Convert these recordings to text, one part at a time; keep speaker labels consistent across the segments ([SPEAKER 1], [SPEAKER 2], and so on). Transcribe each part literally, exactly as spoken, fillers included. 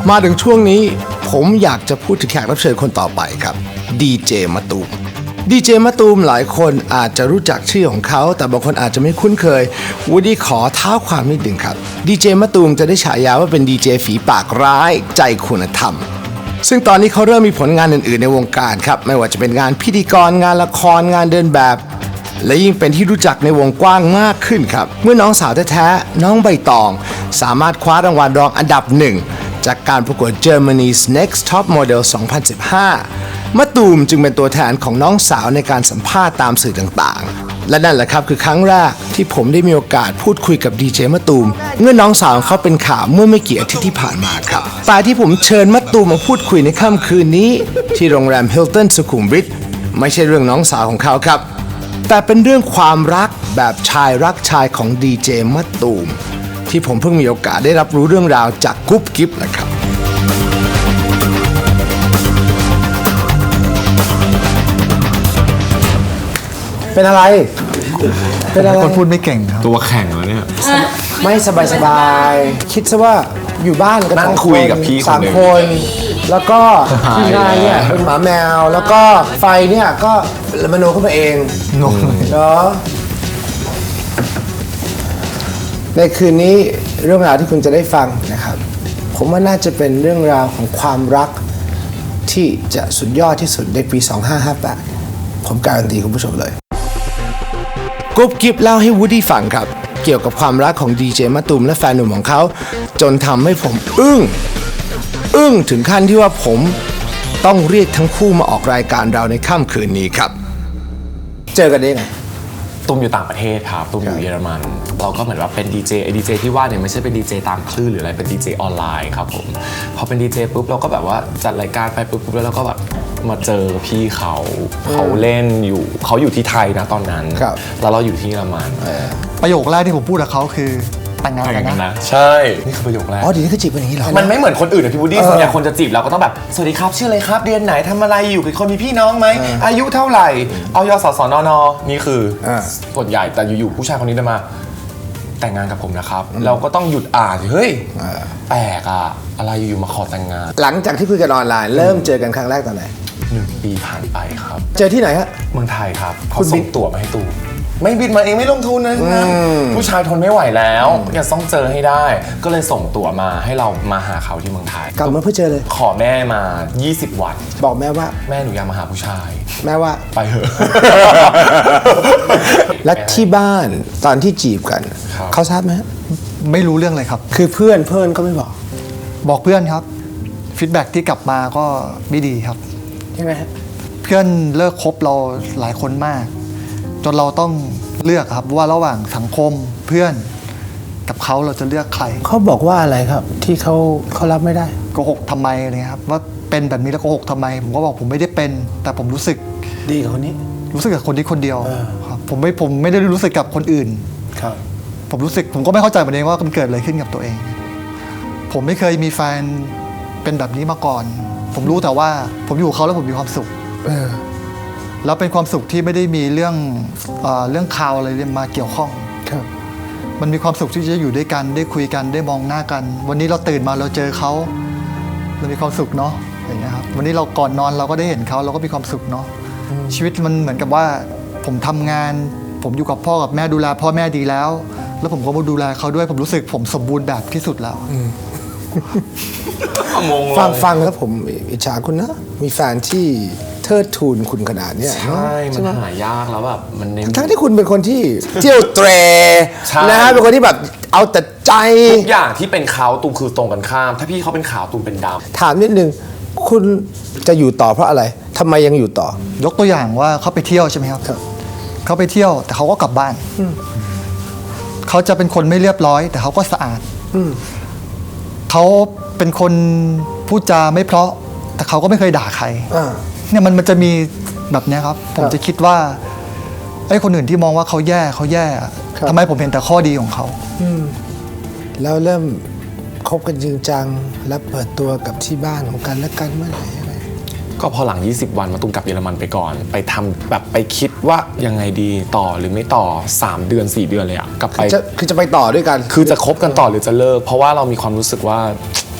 [SPEAKER 1] มาถึงช่วงนี้ผมอยากจะพูดถึงแขกรับเชิญคนต่อไปครับดีเจมะตูมดีเจมะตูมหลายคนอาจจะรู้จักชื่อของเขาแต่บางคนอาจจะไม่คุ้นเคยวูดดี้ขอเท้าความนิดหนึ่งครับดีเจมะตูมจะได้ฉายาว่าเป็นดีเจฝีปากร้ายใจคุณธรรมซึ่งตอนนี้เขาเริ่มมีผลงานอื่นๆในวงการครับไม่ว่าจะเป็นงานพิธีกรงานละครงานเดินแบบและยิ่งเป็นที่รู้จักในวงกว้างมากขึ้นครับเมื่อน้องสาวแท้ๆน้องใบตองสามารถคว้ารางวัลรองอันดับหนึ่งจากการประกวด Germany's Next Top Model สองพันสิบห้ามะตูมจึงเป็นตัวแทนของน้องสาวในการสัมภาษณ์ตามสื่อต่างๆและนั่นแหละครับคือครั้งแรกที่ผมได้มีโอกาสพูดคุยกับดีเจมะตูมเมื่อน้องสาวเขาเป็นข่าวเมื่อไม่กี่อาทิตย์ที่ผ่านมาครับแต่ที่ผมเชิญมะตูมมาพูดคุยในค่ำคืนนี้ที่โรงแรมฮิลตันสุขุมวิทไม่ใช่เรื่องน้องสาวของเขาครับแต่เป็นเรื่องความรักแบบชายรักชายของดีเจมะตูมที่ผมเพิ่งมีโอกาสได้รับรู้เรื่องราวจากกุ๊บกิ๊บนะครับเป็นอะไรเป็นอะไร
[SPEAKER 2] คนพูดไม่เก่งครับ
[SPEAKER 3] ตัวแข็งแล้วเนี่ย
[SPEAKER 1] ไม่สบายสบายคิดซะว่าอยู่บ้านกัน
[SPEAKER 3] นั่งคุยกับพี่คนหนึ่ง
[SPEAKER 1] สามคนแล้วก็ทีมงานเนี่ยเป็นหมาแมวแล้วก็ไฟเนี่ยก็มโนขึ้นมาเองงงเนาะในคืนนี้เรื่องราวที่คุณจะได้ฟังนะครับผมว่าน่าจะเป็นเรื่องราวของความรักที่จะสุดยอดที่สุดในปีสองพันห้าร้อยห้าสิบแปดผมการันตีคุณผู้ชมเลยกุ๊บกิ๊บเล่าให้วูดดี้ฟังครับเกี่ยวกับความรักของดีเจมะตูมและแฟนหนุ่มของเขาจนทำให้ผมอึ้งอึ้งถึงขั้นที่ว่าผมต้องเรียกทั้งคู่มาออกรายการเราในค่ำคืนนี้ครับเจอกันได้ไง
[SPEAKER 3] ตุ้มอยู่ต่างประเทศครับตุ้มอยู่เยอรมันเราก็เหมือนว่าเป็นดีเจไอดีเจที่ว่าเนี่ยไม่ใช่เป็นดีเจตามคลื่นหรืออะไรเป็นดีเจออนไลน์ครับผมพอเป็นดีเจปุ๊บเราก็แบบว่าจัดรายการไปปุ๊บแล้วเราก็แบบมาเจอพี่เขาเขาเล่นอยู่เขาอยู่ที่ไทยนะตอนนั้นแล้วเราอยู่ที่เยอรมัน
[SPEAKER 2] ประโยคแรกที่ผมพูดกับเขาคือแต่งงานกันนะ
[SPEAKER 3] ใช่นี่คือประโยคแรก
[SPEAKER 1] อ๋อดีนี่คือจีบเป็นอย่างนี้เหรอ
[SPEAKER 3] มันไม่เหมือนคนอื่นนะพี่วูดดี้ส่วนใหญ่คนจะจีบเราก็ต้องแบบสวัสดีครับชื่ออะไรครับเรียนไหนทำอะไรอยู่กับคนมีพี่น้องไหมอายุเท่าไหร่เอายศสนนนี่คือส่วนใหญ่แต่อยู่ๆผู้ชายคนนี้จะมาแต่งงานกับผมนะครับเราก็ต้องหยุดอ่านเฮ้ยแปลกอะอะไรอยู่ๆมาขอแต่งงาน
[SPEAKER 1] หลังจากที่คุยกันออนไลน์เริ่มเจอกันครั้งแรกตอนไหน
[SPEAKER 3] หนึ่งปีผ่านไปครับ
[SPEAKER 1] เจอที่ไหนฮะ
[SPEAKER 3] เมืองไทยครับเขาส่งตั๋วมาให้ตูมไม่บินมาเองไม่ลงทุนนะผู้ชายทนไม่ไหวแล้วอยากต้องเจอให้ได้ก็เลยส่งตั๋วมาให้เรามาหาเขาที่เมืองไทย
[SPEAKER 1] กลับมาเพื่อเจอเลย
[SPEAKER 3] ขอแม่มายี่สิบวัน
[SPEAKER 1] บอกแม่ว่า
[SPEAKER 3] แม่หนูอยากมาหาผู้ชาย
[SPEAKER 1] แม่ว่า
[SPEAKER 3] ไปเถอะ
[SPEAKER 1] และที่บ้านตอนที่จีบกันเขาทราบไหม
[SPEAKER 2] ไม่รู้เรื่องเลยครับ
[SPEAKER 1] คือเพื่อนเพื่อนก็ไม่บอก
[SPEAKER 2] บอกเพื่อนครับฟีดแบ็กที่กลับมาก็ไม่ดีครับ
[SPEAKER 1] ใช่ไหมฮะ
[SPEAKER 2] เพื่อนเลิกคบเราหลายคนมากจนเราต้องเลือกครับว่าระหว่างสังคมเพื่อนกับเขาเราจะเลือกใคร
[SPEAKER 1] เขาบอกว่าอะไรครับที่เขาเขารับไม่ได้
[SPEAKER 2] โกหกทำไมอะไรครับว่าเป็นแบบนี้แล้วโกหกทำไมผมก็บอกผมไม่ได้เป็นแต่ผมรู้สึก
[SPEAKER 1] ดีกับคนนี้
[SPEAKER 2] รู้สึกกับคนนี้คนเดียวครับผมไม่ผมไม่ได้รู้สึกกับคนอื่น
[SPEAKER 1] ครับ
[SPEAKER 2] ผมรู้สึกผมก็ไม่เข้าใจเหมือนกันว่ามันเกิดอะไรขึ้นกับตัวเองผมไม่เคยมีแฟนเป็นแบบนี้มาก่อนผมรู้แต่ว่าผมอยู่กับเขาแล้วผมมีความสุขแล้วเป็นความสุขที่ไม่ได้มีเรื่องเอ่อเรื่องข่าวอะไรมาเกี่ยวข้อง
[SPEAKER 1] ครับ
[SPEAKER 2] มันมีความสุขที่จะอยู่ด้วยกันได้คุยกันได้มองหน้ากันวันนี้เราตื่นมาเราเจอเขาเรามีความสุขเนาะอย่างเงี้ยครับวันนี้เราก่อนนอนเราก็ได้เห็นเขาเราก็มีความสุขเนาะชีวิตมันเหมือนกับว่าผมทำงานผมอยู่กับพ่อกับแม่ดูแลพ่อแม่ดีแล้วแล้วผมก็มาดูแลเขาด้วยผมรู้สึกผมสมบูรณ์แบบที่สุดแล้ว
[SPEAKER 1] ฟังฟังแล้วผมอิจฉาคุณนะมีแฟนที่เทิดทูนคุณขนาดนี้
[SPEAKER 3] ใช่มันหายากแล้วแบบมัน
[SPEAKER 1] ทั้งที่คุณเป็นคนที่เที่ยวเตรนะฮะเป็นคนที่แบบเอาแต่ใจ
[SPEAKER 3] ทุกอย่างที่เป็นเขาตูมคือตรงกันข้ามถ้าพี่เขาเป็นขาวตูมเป็นดำ
[SPEAKER 1] ถามนิดนึงคุณจะอยู่ต่อเพราะอะไรทำไมยังอยู่ต่อย
[SPEAKER 2] กตัวอย่างว่าเขาไปเที่ยวใช่ไหมครับเขาไปเที่ยวแต่เขาก็กลับบ้านเขาจะเป็นคนไม่เรียบร้อยแต่เขาก็สะอาดเขาเป็นคนพูดจาไม่เพราะแต่เขาก็ไม่เคยด่าใครเนี่ยมันมันจะมีแบบนี้ครับผมจะคิดว่าไอ้คนอื่นที่มองว่าเขาแย่เขาแย่ทำไมผมเห็นแต่ข้อดีของเขา
[SPEAKER 1] แล้วเริ่มคบกันจริงจังและเปิดตัวกับที่บ้านของกันและกันเมื่อไหร่อะไร
[SPEAKER 3] ก็พอหลังยี่สิบวันมาตุ้มกลับเยอรมันไปก่อนไปทำแบบไปคิดว่ายังไงดีต่อหรือไม่ต่อสามเดือนสี่เดือนเลยอะกลับไป
[SPEAKER 1] คือจะไปต่อด้วยกัน
[SPEAKER 3] คือจะคบกันต่อหรือจะเลิกเพราะว่าเรามีความรู้สึกว่า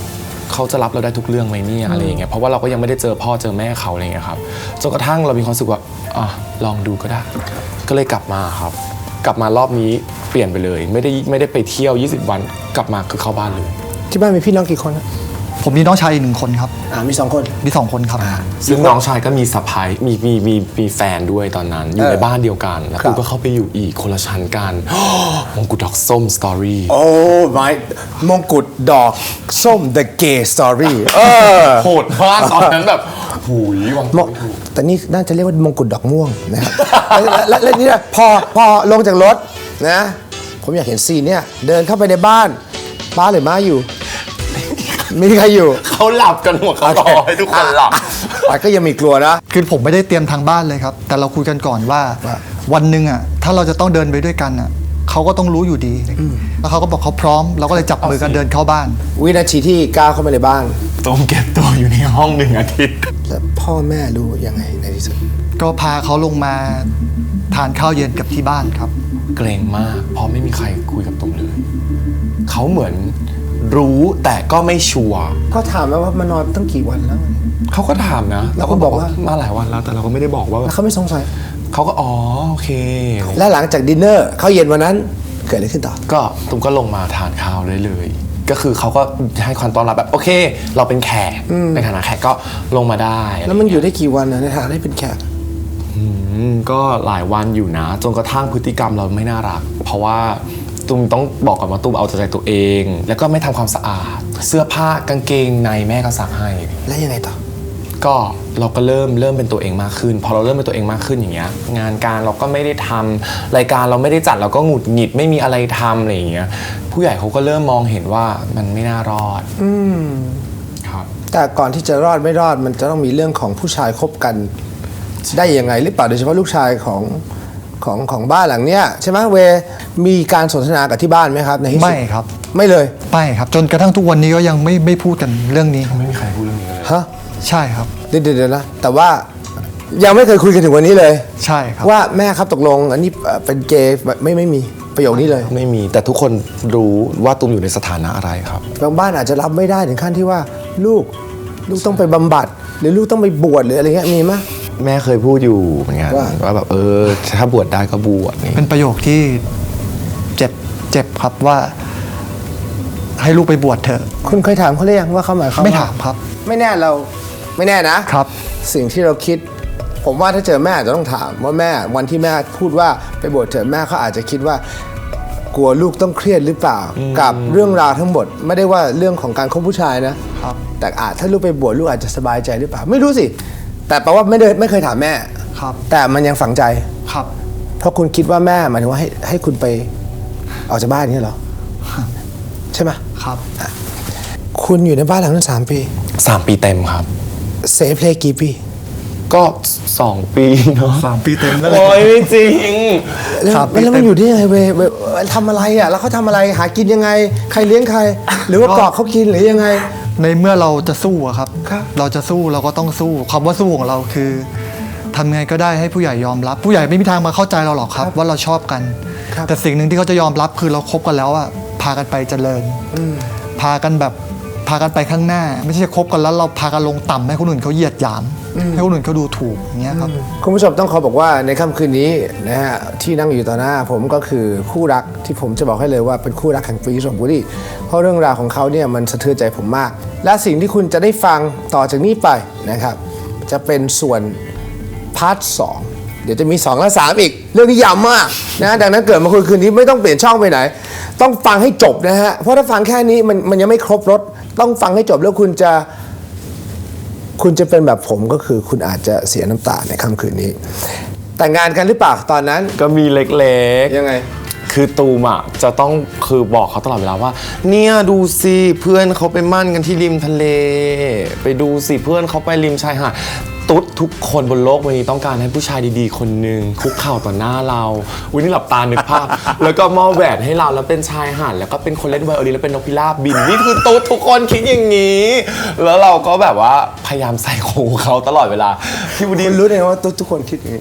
[SPEAKER 3] เขาจะรับเราได้ทุกเรื่องไหมเนี่ยอะไรอย่างเงี้ยเพราะว่าเราก็ยังไม่ได้เจอพ่อเจอแม่เขาอะไรอย่างเงี้ยครับจนกระทั่งเรามีความรู้สึกว่าอ่ะลองดูก็ได้ก็เลยกลับมาครับกลับมารอบนี้เปลี่ยนไปเลยไม่ได้ไม่ได้ไปเที่ยวยี่สิบวันกลับมาคือเข้าบ้านเลย
[SPEAKER 1] ที่บ้านมีพี่น้องกี่คนครับ
[SPEAKER 2] ผมมีน้องชายอีกหนึ่งคนครับ
[SPEAKER 1] อ่ามีสองคน
[SPEAKER 2] มีสองคนครับ
[SPEAKER 3] ซึ่งน้องชายก็มีสะพ้ายมีมีมีมีแฟนด้วยตอนนั้นอยู่ในบ้านเดียวกันแล้ว
[SPEAKER 1] ครับ
[SPEAKER 3] กูก็เข้าไปอยู่อีกคนละชั้นกัน มงกุฎดอกส้มสตอรี่
[SPEAKER 1] โอ้ my มงกุฎดอกส้ม the gay story เออ
[SPEAKER 3] โหดมากตอนนั้นแบบหูยวาง
[SPEAKER 1] มงแต่นี่น่าจะเรียกว่ามงกุฎดอกม่วงนะครับ และและและนี่นะพอพอลงจากรถนะ ผมอยากเห็นซีนเนี่ยเดินเข้าไปในบ้านป้าหรือม้าอยู่ มีใครอยู่
[SPEAKER 3] เขาหลับกันหมดเขารอให้ทุกคนหลับ
[SPEAKER 1] ป้าก็ยังมีกลัวนะ
[SPEAKER 2] คือผมไม่ได้เตรียมทางบ้านเลยครับ แต่เราคุยกันก่อนว่า
[SPEAKER 1] ว่า
[SPEAKER 2] วันหนึ่งอ่ะถ้าเราจะต้องเดินไปด้วยกันอ่ะเขาก็ต้องรู้อยู่ดี แล้วเขาก็บอกเขาพร้อม เราก็เลยจับมือกันเดินเข้าบ้าน
[SPEAKER 1] วินาทีที่ก้าวเข้ามาในบ้าน
[SPEAKER 3] ต้องเก็บตัวอยู่ในห้องหนึ่งอาทิตย์
[SPEAKER 1] แล้วพ่อแม่รู้ยังไงในที่สุด
[SPEAKER 2] ก็พาเขาลงมาทานข้าวเย็นกับที่บ้านครับ
[SPEAKER 3] เกรงมากเพราะไม่มีใครคุยกับตุ้มเลยเขาเหมือนรู้แต่ก็ไม่ชัวร์
[SPEAKER 1] ก็ถามแล้วว่ามานอนตั้งกี่วันแล้ว
[SPEAKER 3] เขาก็ถามนะ
[SPEAKER 1] แล้วคุณบอกว่า
[SPEAKER 3] มาหลายวันแล้วแต่เราก็ไม่ได้บอกว่าแบ
[SPEAKER 1] แล้ว
[SPEAKER 3] บ
[SPEAKER 1] เขาไม่สงสัย
[SPEAKER 3] เขาก็อ๋อโอเค
[SPEAKER 1] และหลังจากดินเนอร์ข้าวเย็นวันนั้นเกิดอะไรขึ้นต่อ
[SPEAKER 3] ก็ตุ้มก็ลงมาทานข้าวเลยเลย ก็คือเขาก็ให้ความต้อนรับแบบโอเค เราเป็นแขกในฐานะแขกก็ลงมาได้
[SPEAKER 1] แล้วมันอยู่ได้กี่วันนะในฐานะที่เป็นแขก
[SPEAKER 3] อืมก็หลายวันอยู่นะจนกระทั่งพฤติกรรมเราไม่น่ารัก เพราะว่าตุ้มต้องบอกก่อนว่าตุ้มเอาใจตัวเอง แล้วก็ไม่ทำความสะอาด เสื้อผ้ากางเกงในแม่ก็ซักให้
[SPEAKER 1] แล้วยังไงต่อ
[SPEAKER 3] ก็เราก็เริ่มเริ่มเป็นตัวเองมากขึ้นพอเราเริ่มเป็นตัวเองมากขึ้นอย่างเงี้ยงานการเราก็ไม่ได้ทำรายการเราไม่ได้จัดเราก็หงุดหงิดไม่มีอะไรทำอะไรอย่างเงี้ยผู้ใหญ่เขาก็เริ่มมองเห็นว่ามันไม่น่ารอด
[SPEAKER 1] อืม
[SPEAKER 3] ครับ
[SPEAKER 1] แต่ก่อนที่จะรอดไม่รอดมันจะต้องมีเรื่องของผู้ชายคบกันได้ยังไงหรือเปล่าโดยเฉพาะลูกชายของของของบ้านหลังเนี้ยใช่ไหมเวมีการสนทนากับที่บ้านไหมครับในที่สุด
[SPEAKER 2] ไม่ครับ
[SPEAKER 1] ไม่เลย
[SPEAKER 2] ไม่ครับ จนกระทั่งทุกวันนี้ก็ยังไม่ไม่พูดกันเรื่องนี้
[SPEAKER 3] ไม่มีใครพูดเรื่องนี้เลย
[SPEAKER 1] ฮะ
[SPEAKER 2] ใช่ครับ
[SPEAKER 1] เดี๋ยวเดี๋ยวเดี๋ยวนะแต่ว่ายังไม่เคยคุยกันถึงวันนี้เลย
[SPEAKER 2] ใช่ครับ
[SPEAKER 1] ว่าแม่ครับตกลงอันนี้เอ่อเป็นเกย์ไม่ไม่มีประโยคนี้เลย
[SPEAKER 3] ไม่มีแต่ทุกคนรู้ว่าตุ้มอยู่ในสถานะอะไรครับ
[SPEAKER 1] บางบ้านอาจจะรับไม่ได้ถึงขั้นที่ว่าลูกลูกต้องไปบำบัด หรือลูกต้องไปบวชหรืออะไรเงี้ยมีไหม
[SPEAKER 3] แม่เคยพูดอยู่เหมือนกัน
[SPEAKER 1] ว่า
[SPEAKER 3] ว่าแบบเออถ้าบวชได้ก็บวชนี่
[SPEAKER 2] เป็นประโยคที่เจ็บเจ็บครับว่า ให้ลูกไปบวชเถอะ
[SPEAKER 1] คุณเคยถามเขาหรือยังว่าเขาหมายความ
[SPEAKER 2] ไม่
[SPEAKER 1] ว่
[SPEAKER 2] ถามครับ
[SPEAKER 1] ไม่แน่เราไม่แน่นะ
[SPEAKER 2] ครับ
[SPEAKER 1] สิ่งที่เราคิด ผมว่าถ้าเจอแม่อาจจะต้องถามว่าแม่วันที่แม่พูดว่าไปบวชเถอะแม่เขาอาจจะคิดว่ากลัวลูกต้องเครียดหรือเปล่า กับเรื่องราวทั้งหมด ไม่ได้ว่าเรื่องของการคบผู้ชายนะครับ แต่อาจถ้าลูกไปบวชลูกอาจจะสบายใจหรือเปล่า ไม่รู้สิ แต่แปลว่าไม่ได้ไม่เคยถามแม่
[SPEAKER 2] ครับ
[SPEAKER 1] แต่มันยังฝังใจ
[SPEAKER 2] ครับ
[SPEAKER 1] เพราะคุณคิดว่าแม่หมายถึงว่าให้ให้คุณไปออกจากบ้านนี้เหรอใช่ไหม
[SPEAKER 2] ครับ
[SPEAKER 1] คุณอยู่ในบ้านหลังนั้นสามปี
[SPEAKER 3] สามปีเต็มครับ
[SPEAKER 1] เซฟเพลย์กี่ปี
[SPEAKER 3] ก็สองปีเนาะ
[SPEAKER 2] สามปีเต็มแล้ว
[SPEAKER 3] โอ้ยไม่จริง
[SPEAKER 1] แล้ว
[SPEAKER 2] ครับ
[SPEAKER 1] แล้วมันอยู่ได้ยังไงเวยเวยทำอะไรอ่ะแล้วเขาทำอะไรหากินยังไง ใครเลี้ยงใคร หรือว่าเกาะเขากินหรือยังไง
[SPEAKER 2] ในเมื่อเราจะสู้อะครับ
[SPEAKER 1] ครับ
[SPEAKER 2] เราจะสู้เราก็ต้องสู้คำว่าสู้ของเราคือทำไงก็ได้ให้ผู้ใหญ่ยอมรับ ผู้ใหญ่ไม่มีทางมาเข้าใจเราหรอกครับ ว่าเราชอบกัน
[SPEAKER 1] ครับ
[SPEAKER 2] แต่สิ่งหนึ่งที่เขาจะยอมรับคือเราคบกันแล้วอะพากันไปเจริญพากันแบบพากันไปข้างหน้า ไม่ใช่คบกันแล้วเราพากันลงต่ำให้คนอื่นเขาเหยียดหยามให้คนอื่นเขาดูถูกอย่างเงี้ยครับ
[SPEAKER 1] คุณผู้ชมต้องขอบอกว่าในค่ำคืนนี้นะฮะที่นั่งอยู่ต่อหน้าผมก็คือคู่รักที่ผมจะบอกให้เลยว่าเป็นคู่รักแห่งฟรีสมบูรณ์เพราะเรื่องราวของเขาเนี่ยมันสะเทือนใจผมมาก และสิ่งที่คุณจะได้ฟังต่อจากนี้ไปนะครับจะเป็นส่วนพาร์ทสองเดี๋ยวจะมีสองและสามอีก เรื่องนี้ยาวมากนะดังนั้นเกิดมาคุยคืนนี้ไม่ต้องเปลี่ยนช่องไปไหน ต้องฟังให้จบนะฮะเพราะถ้าฟังแค่นี้มันมันยังไม่ครบรสต้องฟังให้จบแล้วคุณจะ คุณจะเป็นแบบผมก็คือคุณอาจจะเสียน้ำตาในค่ำคืนนี้ แต่งงานกันหรือเปล่าตอนนั้น
[SPEAKER 3] ก็มีเล็กๆ
[SPEAKER 1] ยังไง
[SPEAKER 3] คือตูมอ่ะจะต้องคือบอกเขาตลอดเวลาว่า เนี่ยดูสิเพื่อนเขาไปมั่นกันที่ริมทะเล ไปดูสิเพื่อนเขาไปริมชายหาดตุ๊ดทุกคนบนโลกใบนี้ต้องการให้ผู้ชายดีๆ คนหนึ่งคุกเข่าต่อหน้าเราอุ้ยนี่หลับตานึกภาพ แล้วก็มอบแหวนให้เราแล้วเป็นชายหาดแล้วก็เป็นคนเล่นไวโอลินแล้วเป็นนกพิราบบินนี่คือตุ๊ดทุกคนคิดอย่างนี้ แล้วเราก็แบบว่าพยายามใส่หูเขาตลอดเวลาพี่วูดดี้
[SPEAKER 1] คุณรู้ได้ไงว่าทุกทุกคนคิดอย่างนี้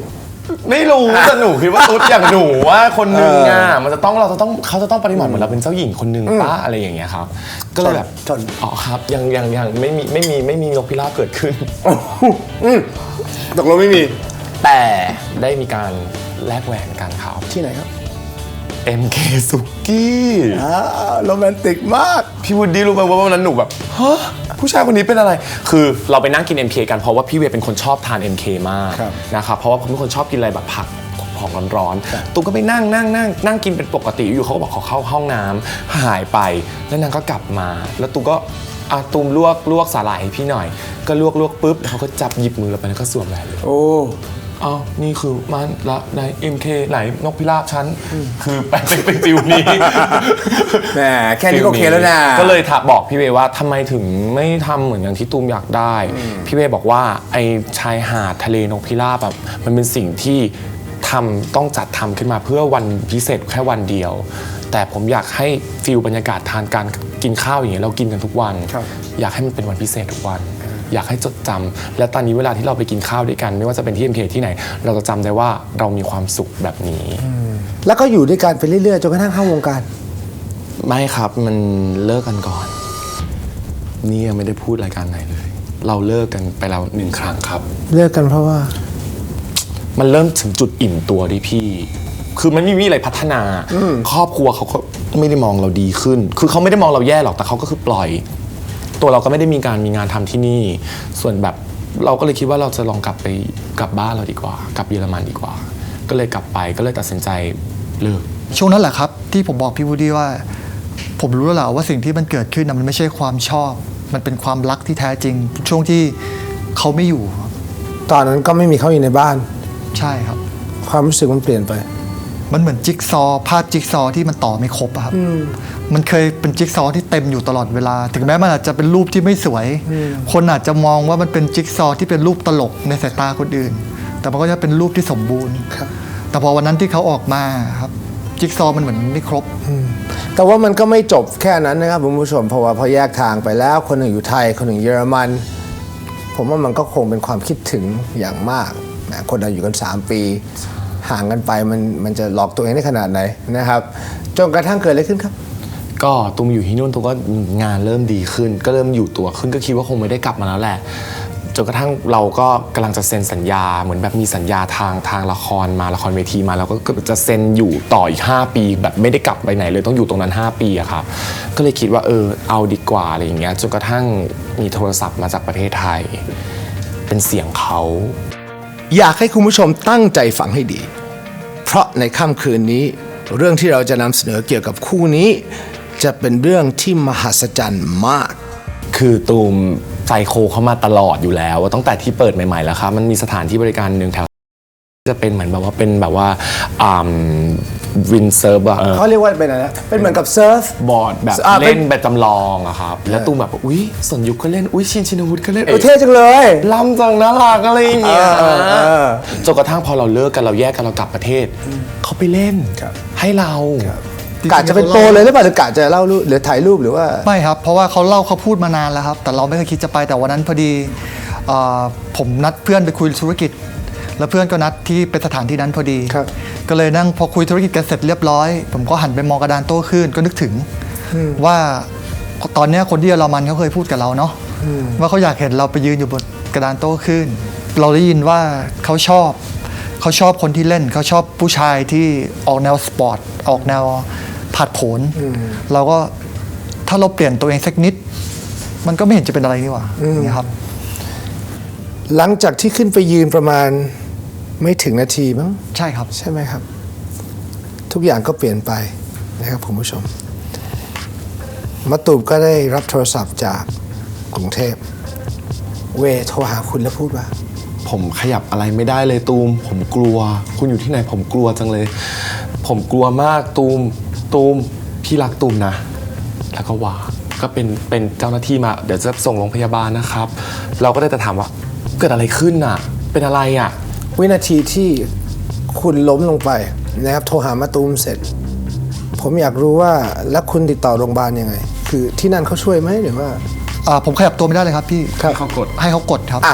[SPEAKER 3] ไม่รู้แต่หนูคิดว่าตุ๊ดอย่างหนูว่าคนนึงอ่ะมันจะต้องเราจะต้องเขาจะต้องปฏิบัติเหมือนเราเป็นเจ้าหญิงคนนึงป้าอะไรอย่างเงี้ยครับก็เลยแบบ
[SPEAKER 1] ชน
[SPEAKER 3] อ๋อครับยังยังยังไม่มีไม่มีไม่มีนกพิราบเกิดขึ้น
[SPEAKER 1] อืมตกลงไม่มี
[SPEAKER 3] แต่ได้มีการแลกแหวนกันครับ
[SPEAKER 1] ที่ไหนครับ
[SPEAKER 3] เอ็ม เค สุกี้
[SPEAKER 1] อ้าวโรแมนติกมาก
[SPEAKER 3] พี่วูดดี้รู้ไหมว่าวันนั้นหนูแบบฮะผู้ชายคนนี้เป็นอะไร คือเราไปนั่งกิน เอ็ม เค กันเพราะว่าพี่เวย์เป็นคนชอบทาน เอ็ม เค มาก
[SPEAKER 1] ครับ
[SPEAKER 3] นะครับเพราะว่าผมเป็นคนชอบกินอะไรแบบผักของร้อนๆตุ้มก็ไปนั่งนั่งนั่งนั่งกินเป็นปกติอยู่เขาก็บอกเขาเข้าห้องน้ำหายไปแล้วนางก็กลับมา แล้วตุ้มก็อ่ะตุ้มลวกลวกสาหร่ายให้พี่หน่อย ก็ลวกลวกปุ๊บแล้วเขาก็จับหยิบมือเราไปแล้วก็สวมแหวนเลย
[SPEAKER 1] โอ้
[SPEAKER 3] อ้าวนี่คือมันละใน เอ็ม เค ไหนนกพิราบชั้นคือเป็นเป็นเป็นฟิวนี้
[SPEAKER 1] แหมแค่นี้ก็โอเคแล้วนะ
[SPEAKER 3] ก็เลยถามบอกพี่เวย์ว่าทำไมถึงไม่ทำเหมือนอย่างที่ตูมอยากได้ พี่เวย์บอกว่าไอชายหาดทะเลนกพิราบแบบมันเป็นสิ่งที่ทำต้องจัดทำขึ้นมาเพื่อวันพิเศษแค่วันเดียว แต่ผมอยากให้ฟิลบรรยากาศทานการกินข้าวอย่างเงี้ยเรากินกันทุกวัน
[SPEAKER 1] ครับ
[SPEAKER 3] อยากให้มันเป็นวันพิเศษทุกวัน อยากให้จดจำและตอนนี้เวลาที่เราไปกินข้าวด้วยกัน ไม่ว่าจะเป็นที่ เอ็ม เค ที่ไหน เราจะจำได้ว่าเรามีความสุขแบบนี้
[SPEAKER 1] แล้วก็อยู่ด้วยกันไปเรื่อยๆจนกระทั่งเข้าวงการ
[SPEAKER 3] ไม่ครับมันเลิกกันก่อน นี่ยังไม่ได้พูดรายการไหนเลย เราเลิกกันไปแล้วหนึ่งครั้งครับ
[SPEAKER 1] เลิกกันเพราะว่า
[SPEAKER 3] มันเริ่มถึงจุดอิ่มตัวดิพี่ คือมันไม่มีอะไรพัฒนา ครอบครัวเขาก็ไม่ได้มองเราดีขึ้น คือเขาไม่ได้มองเราแย่หรอกแต่เขาก็คือปล่อย ตัวเราก็ไม่ได้มีการมีงานทำที่นี่ ส่วนแบบเราก็เลยคิดว่าเราจะลองกลับไปกลับบ้านเราดีกว่า กลับเยอรมันดีกว่า ก็เลยกลับไปก็เลยตัดสินใจเลิก
[SPEAKER 2] ช่วงนั้นแหละครับที่ผมบอกพี่วูดดี้ว่า ผมรู้แล้วแหละว่าสิ่งที่มันเกิดขึ้นนะมันไม่ใช่ความชอบ มันเป็นความรักที่แท้จริง ช่วงที่เขาไม่อยู่ครับ
[SPEAKER 1] ตอนนั้นก็ไม่มีเขาอยู่ในบ้าน
[SPEAKER 2] ใช่ครับ
[SPEAKER 1] ความรู้สึกมันเปลี่ยนไป
[SPEAKER 2] มันเหมือนจิ๊กซอว์ภาพจิ๊กซอว์ที่มันต่อไม่ครบอะครับ มันเคยเป็นจิ๊กซอว์ที่เต็มอยู่ตลอดเวลา ถึงแม้มันอาจจะเป็นรูปที่ไม่สวย คนอาจจะมองว่ามันเป็นจิ๊กซอว์ที่เป็นรูปตลกในสายตาคนอื่น แต่มันก็จะเป็นรูปที่สมบูรณ์
[SPEAKER 1] ครับ
[SPEAKER 2] แต่พอวันนั้นที่เขาออกมาครับจิ๊กซอว์มันเหมือนไม่ครบ
[SPEAKER 1] แต่ว่ามันก็ไม่จบแค่นั้นนะครับคุณผู้ชมเพราะว่าพอแยกทางไปแล้วคนหนึ่งอยู่ไทยคนหนึ่งเยอรมัน ผมว่ามันก็คงเป็นความคิดถึงอย่างมากนะคนเราอยู่กันสามปี ห่างกันไปมันมันจะหลอกตัวเองได้ขนาดไหนนะครับจนกระทั่งเกิดอะไรขึ้นครับ
[SPEAKER 3] ก็ตูมอยู่ที่นู่นตูมก็งานเริ่มดีขึ้น ก็เริ่มอยู่ตัวขึ้นก็คิดว่าคงไม่ได้กลับมาแล้วแหละจนกระทั่งเราก็กำลังจะเซ็นสัญญาเหมือนแบบมีสัญญาทางทางละครมาละครเวทีมาแล้วก็จะเซ็นอยู่ต่ออีกห้าปี แบบไม่ได้กลับไปไหนเลยต้องอยู่ตรงนั้นห้าปีอะครับก็เลยคิดว่าเออเอาดีกว่าอะไรอย่างเงี้ยจนกระทั่งมีโทรศัพท์มาจากประเทศไทย เป็นเสียงเขา
[SPEAKER 1] อยากให้คุณผู้ชมตั้งใจฟังให้ดี เพราะในค่ำคืนนี้ เรื่องที่เราจะนำเสนอเกี่ยวกับคู่นี้ จะเป็นเรื่องที่มหัศจรรย์มาก
[SPEAKER 3] คือตูมไซโคเข้ามาตลอดอยู่แล้วตั้งแต่ที่เปิดใหม่ๆแล้วครับมันมีสถานที่บริการหนึ่งแถวจะเป็นเหมือนแบบว่าเป็นแบบว่าวินเซิร์ฟอะ
[SPEAKER 1] เขาเรียกว่าเป็นอะไรนะเป็นเหมือนกับเซิร์ฟ
[SPEAKER 3] บอร์ดแบบ
[SPEAKER 1] อ่าเป็น
[SPEAKER 3] เล่นแบบจำลองอะครับแล้วตูมแบบอุ๊ยสนยุคก็เล่นอุ๊ยชินชินวุฒิก็เล่น
[SPEAKER 1] เออเท่จังเลย
[SPEAKER 3] ล้ำจังน่ารักอะไรอย่างเงี้ย
[SPEAKER 1] เออเออเออ
[SPEAKER 3] จนกระทั่งพอเราเลิกกันเราแยกกันเรากลับประเทศเขาไปเล่น
[SPEAKER 1] ครับ
[SPEAKER 3] ให้เรา
[SPEAKER 1] กะจะเป็นโปรเลยหรือเปล่าหรือกะจะเล่ารูปหรือถ่ายรูปหรือว่า
[SPEAKER 2] ไม่ครับ เพราะว่าเขาเล่าเขาพูดมานานแล้วครับ แต่เราไม่เคยคิดจะไปแต่วันนั้นพอดีเอ่อผมนัดเพื่อนไปคุยธุรกิจ แล้วเพื่อนก็นัดที่เป็นสถานที่นั้นพอดี
[SPEAKER 1] ครับ
[SPEAKER 2] ก็เลยนั่งพอคุยธุรกิจกันเสร็จเรียบร้อย ผมก็หันไปมองกระดานโต้คลื่นก็นึกถึงว่าตอนเนี้ยคนที่เยอรมันเขาเคยพูดกับเราเนาะว่าเขาอยากเห็นเราไปยืนอยู่บนกระดานโต้คลื่นเราได้ยินว่าเขาชอบเขาชอบคนที่เล่นเขาชอบผู้ชายที่ออกแนวสปอร์ตออกแนวผาดโผนเราก็ถ้าเราเปลี่ยนตัวเองสักนิด มันก็ไม่เห็นจะเป็นอะไรนี่หว่านี่ครับ
[SPEAKER 1] หลังจากที่ขึ้นไปยืนประมาณไม่ถึงนาทีมั้ง
[SPEAKER 2] ใช่ครับ
[SPEAKER 1] ใช่ไหมครับ ทุกอย่างก็เปลี่ยนไปนะครับคุณผู้ชมมะตูมก็ได้รับโทรศัพท์จากกรุงเทพเวโทรหาคุณแล้วพูดว่า
[SPEAKER 3] ผมขยับอะไรไม่ได้เลยตูม ผมกลัว คุณอยู่ที่ไหนผมกลัวจังเลย ผมกลัวมากตูมตูมพี่รักตูมนะ แล้วก็ว่าก็เป็นเป็นเจ้าหน้าที่มาเดี๋ยวจะส่งโรงพยาบาลนะครับ เราก็ได้แต่ถามว่าเกิดอะไรขึ้นน่ะ เป็นอะไรอ่ะ
[SPEAKER 1] วินาทีที่คุณล้มลงไปนะครับโทรหามะตูมเสร็จ ผมอยากรู้ว่าแล้วคุณติดต่อโรงพยาบาลยังไง คือที่นั่นเขาช่วยไหมหรือว่า
[SPEAKER 2] อ่าผมขยับตัวไม่ได้เลยครับพี่
[SPEAKER 1] ครับ
[SPEAKER 3] เขากด
[SPEAKER 2] ให้เขากดครับ
[SPEAKER 1] อ่ะโท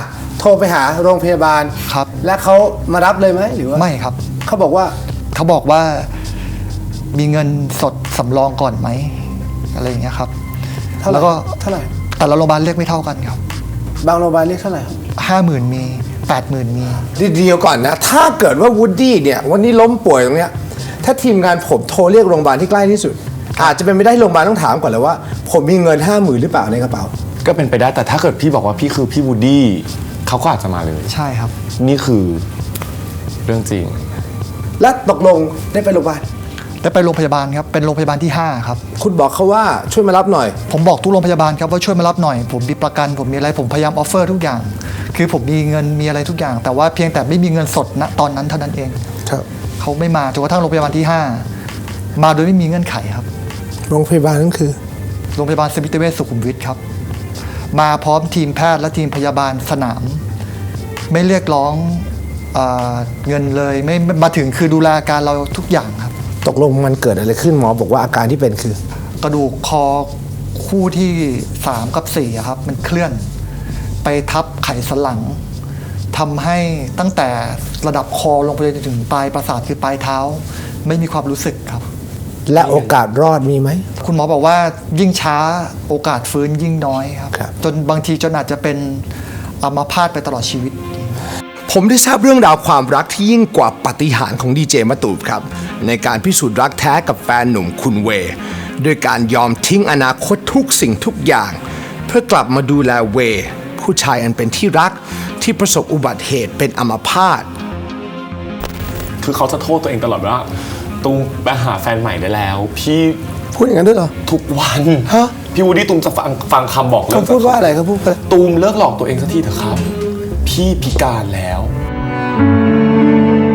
[SPEAKER 1] โทรไปหาโรงพยาบาล
[SPEAKER 2] ครับ
[SPEAKER 1] และเขามารับเลยไหมหรือว่า
[SPEAKER 2] ไม่ครับ
[SPEAKER 1] เขาบอกว่า
[SPEAKER 2] เขาบอกว่ามีเงินสดสำรองก่อนไหมอะไรอย่างเงี้ยครับ
[SPEAKER 1] เท่าไหร่
[SPEAKER 2] แล้วก็
[SPEAKER 1] เท่าไหร่
[SPEAKER 2] แต่ละโรงพยาบาลเรียกไม่เท่ากันครับ
[SPEAKER 1] บางโรงพยาบาลเรียกเท่าไหร่ครับ
[SPEAKER 2] ห้าหมื่นมีแปดหมื่นมี
[SPEAKER 1] เดียวก่อนนะ ถ้าเกิดว่าวูดดี้เนี่ยวันนี้ล้มป่วยตรงเนี้ยถ้าทีมงานผมโทรเรียกโรงพยาบาลที่ใกล้ที่สุด อาจจะเป็นไม่ได้โรงพยาบาลต้องถามก่อนเลยว่า ผมมีเงินห้าหมื่นหรือเปล่าในกระเป๋า
[SPEAKER 3] ก็เป็นไปได้แต่ถ้าเกิดพี่บอกว่าพี่คือพี่วูดดี้เขาก็อาจจะมาเลย
[SPEAKER 2] ใช่ครับ
[SPEAKER 3] นี่คือเรื่องจริง
[SPEAKER 1] และตกลงได้ไปโรงพยาบาล
[SPEAKER 2] ได้ไปโรงพยาบาลครับเป็นโรงพยาบาลที่ห้าครับ
[SPEAKER 1] คุณบอกเขาว่าช่วยมารับหน่อย
[SPEAKER 2] ผมบอกทุกโรงพยาบาลครับว่าช่วยมารับหน่อย ผมมีประกัน ผมมีอะไรผมพยายามออฟเฟอร์ทุกอย่าง คือผมมีเงินมีอะไรทุกอย่าง แต่ว่าเพียงแต่ไม่มีเงินสดณตอนนั้นเท่านั้นเอง
[SPEAKER 1] ครับ
[SPEAKER 2] เขาไม่มาจนกระทั่งโรงพยาบาลที่ห้ามาโดยไม่มีเงื่อนไขครับ
[SPEAKER 1] โรงพยาบาลนั่นคือ
[SPEAKER 2] โรงพยาบาลสมิติเวชสุขุมวิทครับ มาพร้อมทีมแพทย์และทีมพยาบาลสนาม ไม่เรียกร้องเออเงินเลยไม่ไม่มาถึงคือดูแลอาการเราทุกอย่างครับ
[SPEAKER 1] ตกลงมันเกิดอะไรขึ้นหมอบอกว่าอาการที่เป็นคือ
[SPEAKER 2] กระดูกคอคู่ที่สามกับสี่อะครับ มันเคลื่อนไปทับไขสันหลังทำให้ตั้งแต่ระดับคอลงไปจนถึงปลายประสาทคือปลายเท้า ไม่มีความรู้สึกครับ
[SPEAKER 1] และโอกาสรอดมีไหม
[SPEAKER 2] คุณหมอบอกว่ายิ่งช้าโอกาสฟื้นยิ่งน้อยครับ
[SPEAKER 1] ครับ
[SPEAKER 2] จนบางทีจนอาจจะเป็นอัมพาตไปตลอดชีวิต
[SPEAKER 1] ผมได้ทราบเรื่องราวความรักที่ยิ่งกว่าปาฏิหาริย์ของดีเจมะตูมครับ ในการพิสูจน์รักแท้กับแฟนหนุ่มคุณเวย์ด้วยการยอมทิ้งอนาคตทุกสิ่งทุกอย่าง เพื่อกลับมาดูแลเวย์ผู้ชายอันเป็นที่รักที่ประสบอุบัติเหตุเป็นอัมพาต
[SPEAKER 3] คือเขาจะโทษตัวเองตลอดว่าตูมไปหาแฟนใหม่ได้แล้ว พี่
[SPEAKER 1] พูดอย่างนั้นด้วยเหรอ
[SPEAKER 3] ทุกวัน
[SPEAKER 1] ฮะ
[SPEAKER 3] พี่วูดดี้ตูมจะฟังฟังคำบอกเลิ
[SPEAKER 1] เขา
[SPEAKER 3] ก
[SPEAKER 1] พูดว่าอะไรเขาพูดว่า
[SPEAKER 3] ตูมเลิกหลอกตัวเองสักทีเถอะครับ พี่พิการแล้ว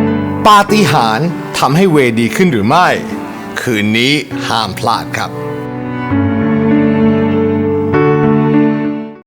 [SPEAKER 1] ปาฏิหาริย์ทำให้เวย์ดีขึ้นหรือไม่ คืนนี้ห้ามพลาดครับ